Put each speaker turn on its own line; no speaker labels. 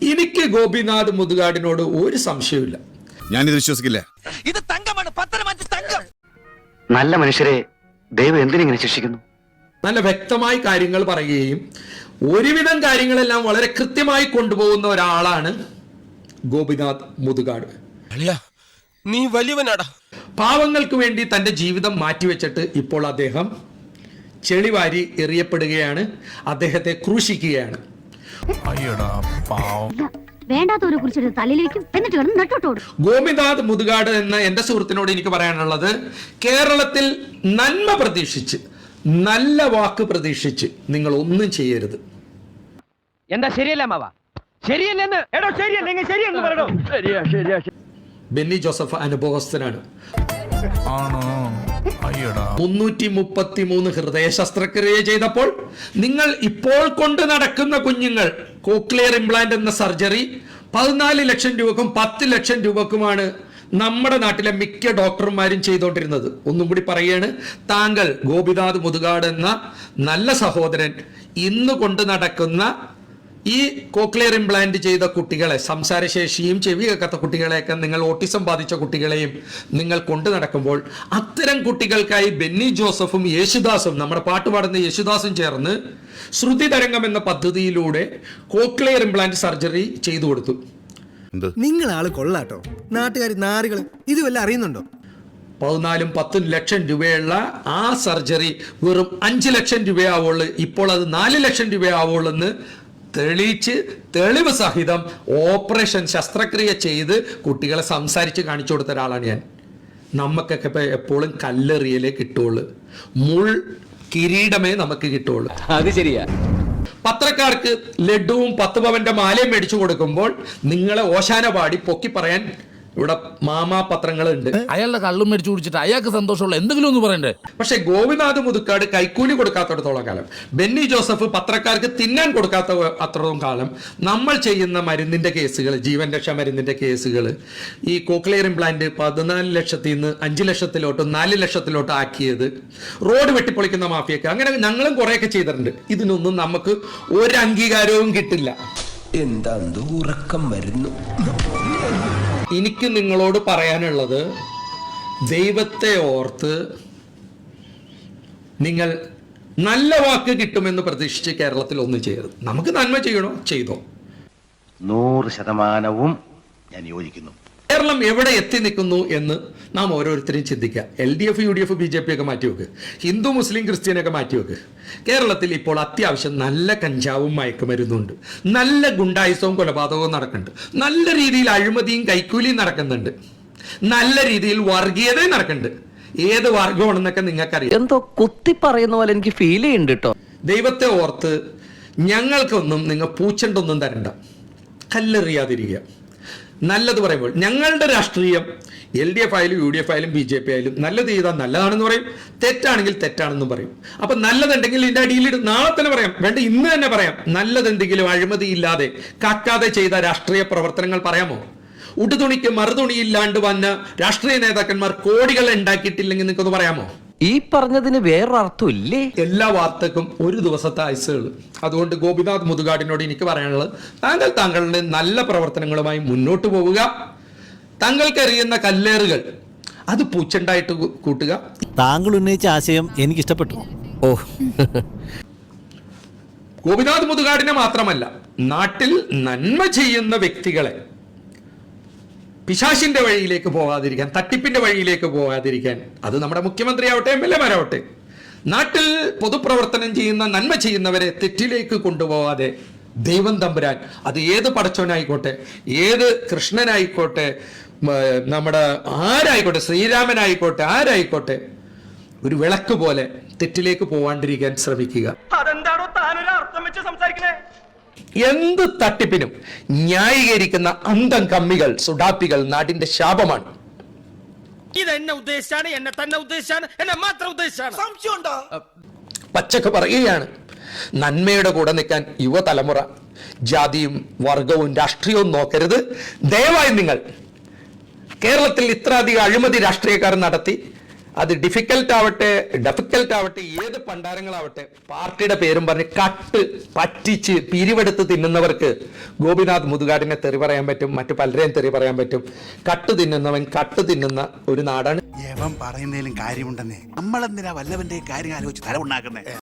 എനിക്ക് ഗോപിനാഥ് മുതുകാടിനോട് ഒരു സംശയമില്ല.
ഞാനിത് വിശ്വസിക്കില്ല.
ഇത് തങ്കമാണ്, പത്തനംതിട്ട തങ്കം.
നല്ല മനുഷ്യരെ ദൈവം എന്തിനിങ്ങനെ ശിക്ഷിക്കുന്നു?
നല്ല വ്യക്തമായി കാര്യങ്ങൾ പറയുകയും ഒരുവിധം കാര്യങ്ങളെല്ലാം വളരെ കൃത്യമായി കൊണ്ടുപോകുന്ന ഒരാളാണ് ഗോപിനാഥ് മുതുകാട്.
നീ വലിയവനാടാ.
പാവങ്ങൾക്ക് വേണ്ടി തൻ്റെ ജീവിതം മാറ്റിവെച്ചിട്ട് ഇപ്പോൾ അദ്ദേഹം ചെളിവാരി എറിയപ്പെടുകയാണ്, അദ്ദേഹത്തെ ക്രൂശിക്കുകയാണ്.
വേണ്ടാത്തവരെ കുറിച്ച് തലയിലേക്കും എന്നിട്ട് കിടന്ന് നെട്ടോട്ടോടും.
ഗോപിനാഥ് മുതുകാട് എന്ന എൻ്റെ സുഹൃത്തിനോട് എനിക്ക് പറയാനുള്ളത്, കേരളത്തിൽ നന്മ പ്രതീക്ഷിച്ച്, നല്ല വാക്ക് പ്രതീക്ഷിച്ച് നിങ്ങൾ ഒന്നും ചെയ്യരുത്.
എന്താ ശരിയല്ല മാവാ? ശരിയല്ലെന്ന് എടോ, ശരിയല്ലെങ്കിൽ ശരിയെന്ന് പറയണോ? ശരിയാ.
ബെന്നി ജോസഫ് അനുഭവസ്ഥനാണ്. 333 ഹൃദയ ശസ്ത്രക്രിയ ചെയ്തപ്പോൾ നിങ്ങൾ ഇപ്പോൾ കൊണ്ട് നടക്കുന്ന കുഞ്ഞുങ്ങൾ കോക്ലിയർ ഇംപ്ലാന്റ് എന്ന സർജറി 14 ലക്ഷം രൂപക്കും 10 ലക്ഷം രൂപക്കുമാണ് നമ്മുടെ നാട്ടിലെ മിക്ക ഡോക്ടർമാരും ചെയ്തുകൊണ്ടിരുന്നത്. ഒന്നും കൂടി പറയുകയാണ്, താങ്കൾ ഗോപിനാഥ് മുതുകാട് എന്ന നല്ല സഹോദരൻ ഇന്ന് കൊണ്ട് നടക്കുന്ന ഈ കോക്ലിയർ ഇംപ്ലാന്റ് ചെയ്ത കുട്ടികളെ, സംസാരശേഷിയും ചെവി കേൾക്കാത്ത കുട്ടികളെയൊക്കെ, നിങ്ങൾ ഓട്ടിസം ബാധിച്ച കുട്ടികളെയും നിങ്ങൾ കൊണ്ടു നടക്കുമ്പോൾ അത്തരം കുട്ടികൾക്കായി ബെന്നി ജോസഫും യേശുദാസും, നമ്മുടെ പാട്ട് പാടുന്ന യേശുദാസും ചേർന്ന് ശ്രുതി തരംഗം എന്ന പദ്ധതിയിലൂടെ കോക്ലിയർ ഇംപ്ലാന്റ് സർജറി ചെയ്തു കൊടുത്തു.
നിങ്ങൾ ആള് കൊള്ളാട്ടോ, നാട്ടുകാർ നാറുകള് ഇത് വല്ല അറിയുന്നുണ്ടോ?
14-10 ലക്ഷം രൂപയുള്ള ആ സർജറി വെറും 5 ലക്ഷം രൂപയാവുള്ളൂ. ഇപ്പോൾ അത് 4 ലക്ഷം രൂപയാവുള്ളൂ എന്ന് തെളിയിച്ച്, തെളിവ് സഹിതം ഓപ്പറേഷൻ ശസ്ത്രക്രിയ ചെയ്ത് കുട്ടികളെ സംസാരിച്ച് കാണിച്ചു കൊടുത്ത ഒരാളാണ് ഞാൻ. നമുക്കൊക്കെ ഇപ്പൊ എപ്പോഴും കല്ലെറിയലേ കിട്ടുള്ളൂ, മുൾ കിരീടമേ നമുക്ക് കിട്ടുള്ളൂ.
അത് ശരിയാ.
പത്രക്കാർക്ക് ലഡുവും 10 പവന്റെ മാലയും മേടിച്ചു കൊടുക്കുമ്പോൾ നിങ്ങളെ ഓശാന പാടി പൊക്കി പറയാൻ ഇവിടെ മാമാ പത്രങ്ങളുണ്ട്.
അയാളുടെ കള്ളും മേടിച്ചു കുടിച്ചിട്ട് അയാൾക്ക് സന്തോഷമുള്ള എന്തെങ്കിലും ഒന്ന് പറയണ്ടേ?
പക്ഷെ ഗോപിനാഥ് മുതുകാട് കൈക്കൂലി കൊടുക്കാത്തടത്തോളം കാലം, ബെന്നി ജോസഫ് പത്രക്കാർക്ക് തിന്നാൻ കൊടുക്കാത്ത അത്രത്തോളം കാലം നമ്മൾ ചെയ്യുന്ന മരുന്നിന്റെ കേസുകൾ, ജീവൻ രക്ഷാ മരുന്നിന്റെ കേസുകൾ, ഈ കോക്ലിയർ ഇംപ്ലാന്റ് 14 ലക്ഷത്തിൽ നിന്ന് 5 ലക്ഷത്തിലോട്ട് 4 ലക്ഷത്തിലോട്ട് ആക്കിയത്, റോഡ് വെട്ടിപ്പൊളിക്കുന്ന മാഫിയൊക്കെ, അങ്ങനെ ഞങ്ങളും കുറെയൊക്കെ ചെയ്തിട്ടുണ്ട്. ഇതിനൊന്നും നമുക്ക് ഒരു അംഗീകാരവും കിട്ടില്ല.
എന്താ ഉറക്കം വരുന്നു.
എനിക്ക് നിങ്ങളോട് പറയാനുള്ളത്, ദൈവത്തെ ഓർത്ത് നിങ്ങൾ നല്ല വാക്ക് കിട്ടുമെന്ന് പ്രതീക്ഷിച്ച് കേരളത്തിൽ ഒന്നും ചെയ്യരുത്. നമുക്ക് നന്മ ചെയ്യണോ ചെയ്തോ.
100% ഞാൻ യോജിക്കുന്നു.
കേരളം എവിടെ എത്തി നിൽക്കുന്നു എന്ന് നാം ഓരോരുത്തരും ചിന്തിക്കുക. LDF, UDF, BJP ഒക്കെ മാറ്റിവെക്ക്, ഹിന്ദു മുസ്ലിം ക്രിസ്ത്യനൊക്കെ മാറ്റിവെക്ക്. കേരളത്തിൽ ഇപ്പോൾ അത്യാവശ്യം നല്ല കഞ്ചാവും മയക്കുമരുന്നുണ്ട്, നല്ല ഗുണ്ടായുസവും കൊലപാതകവും നടക്കുന്നുണ്ട്, നല്ല രീതിയിൽ അഴിമതിയും കൈക്കൂലിയും നടക്കുന്നുണ്ട്, നല്ല രീതിയിൽ വർഗീയതയും നടക്കുന്നുണ്ട്. ഏത് വർഗമാണെന്നൊക്കെ നിങ്ങൾക്കറിയാം.
എന്തോ കുത്തി പറയുന്ന പോലെ എനിക്ക് ഫീൽ ചെയ്യുന്നുണ്ട് കേട്ടോ.
ദൈവത്തെ ഓർത്ത് ഞങ്ങൾക്കൊന്നും നിങ്ങൾ പൂച്ചണ്ടൊന്നും തരണ്ട, കല്ലെറിയാതിരിക്കുക. നല്ലത് പറയുമ്പോൾ ഞങ്ങളുടെ രാഷ്ട്രീയം LDF ആയാലും UDF ആയാലും BJP ആയാലും നല്ലത് ചെയ്താൽ നല്ലതാണെന്ന് പറയും, തെറ്റാണെങ്കിൽ തെറ്റാണെന്നും പറയും. അപ്പൊ നല്ലതുണ്ടെങ്കിൽ ഇതിന്റെ അടിയിൽ നാളെ തന്നെ പറയാം, വേണ്ട ഇന്ന് തന്നെ പറയാം. നല്ലതെന്തെങ്കിലും അഴിമതി ഇല്ലാതെ കാക്കാതെ ചെയ്ത രാഷ്ട്രീയ പ്രവർത്തനങ്ങൾ പറയാമോ? ഉടുതുണിക്ക് മറുതുണിയില്ലാണ്ട് വന്ന രാഷ്ട്രീയ നേതാക്കന്മാർ കോടികൾ ഉണ്ടാക്കിയിട്ടില്ലെങ്കിൽ നിങ്ങൾക്കൊന്ന് പറയാമോ?
ഈ പറഞ്ഞതിന് വേറൊരർത്ഥം ഇല്ലേ?
എല്ലാ വാർത്തക്കും ഒരു ദിവസത്തെ ആയുസ്സുകൾ. അതുകൊണ്ട് ഗോപിനാഥ് മുതുകാടിനോട് എനിക്ക് പറയാനുള്ളത്, താങ്കളുടെ നല്ല പ്രവർത്തനങ്ങളുമായി മുന്നോട്ട് പോവുക. താങ്കൾക്കറിയുന്ന കല്ലേറുകൾ അത് പൂച്ചണ്ടായിട്ട് കൂട്ടുക.
താങ്കൾ ഉന്നയിച്ച ആശയം എനിക്ക് ഇഷ്ടപ്പെട്ടു.
ഗോപിനാഥ് മുതുകാടിനെ മാത്രമല്ല, നാട്ടിൽ നന്മ ചെയ്യുന്ന വ്യക്തികളെ പിശാശിന്റെ വഴിയിലേക്ക് പോകാതിരിക്കാൻ, തട്ടിപ്പിന്റെ വഴിയിലേക്ക് പോകാതിരിക്കാൻ, അത് നമ്മുടെ മുഖ്യമന്ത്രി ആവട്ടെ, MLA മാരാവട്ടെ, നാട്ടിൽ പൊതുപ്രവർത്തനം ചെയ്യുന്ന നന്മ ചെയ്യുന്നവരെ തെറ്റിലേക്ക് കൊണ്ടുപോകാതെ ദൈവം തമ്പുരാൻ, അത് ഏത് പടച്ചവനായിക്കോട്ടെ, ഏത് കൃഷ്ണനായിക്കോട്ടെ, നമ്മുടെ ആരായിക്കോട്ടെ, ശ്രീരാമനായിക്കോട്ടെ, ആരായിക്കോട്ടെ, ഒരു വിളക്ക് പോലെ തെറ്റിലേക്ക് പോവാണ്ടിരിക്കാൻ ശ്രമിക്കുക.
അതെന്താണോ താനൊരു അർത്ഥം വെച്ച് സംസാരിക്കണേ?
എന്ത് തട്ടിപ്പിനും ന്യായീകരിക്കുന്ന അന്തം കമ്മികൾ, സുഡാപ്പികൾ നാടിന്റെ ശാപമാണ്.
ഇതെന്നെ ഉദ്ദേശിച്ചാണ്, എന്നെ തന്നെ ഉദ്ദേശിച്ചാണ്, എന്നെ മാത്രം ഉദ്ദേശിച്ചാണ്. സംശയമുണ്ടോ?
പച്ചക്ക് പറയുകയാണ്, നന്മയുടെ കൂടെ നിൽക്കാൻ യുവതലമുറ ജാതിയും വർഗവും രാഷ്ട്രീയവും നോക്കരുത്. ദയവായി നിങ്ങൾ കേരളത്തിൽ ഇത്ര അധികം അഴിമതി രാഷ്ട്രീയക്കാർ നടത്തി അത് ഡെഫിക്കൽട്ട് ആവട്ടെ ഏത് പണ്ടാരങ്ങളാവട്ടെ പാർട്ടിയുടെ പേരും പറഞ്ഞ് കട്ട് പറ്റിച്ച് പിരിവെടുത്ത് തിന്നുന്നവർക്ക് ഗോപിനാഥ് മുതുകാടിനെ തെറി പറയാൻ പറ്റും, മറ്റു പലരെയും തെറി പറയാൻ പറ്റും. കട്ട് തിന്നുന്നവൻ കട്ട് തിന്നുന്ന ഒരു നാടാണ്.
പറയുന്നതിലും കാര്യമുണ്ടെന്നേ. നമ്മളെന്തിനാ വല്ലവന്റെ കാര്യം ആലോചിച്ച് തല ഉണ്ടാക്കുന്നേ?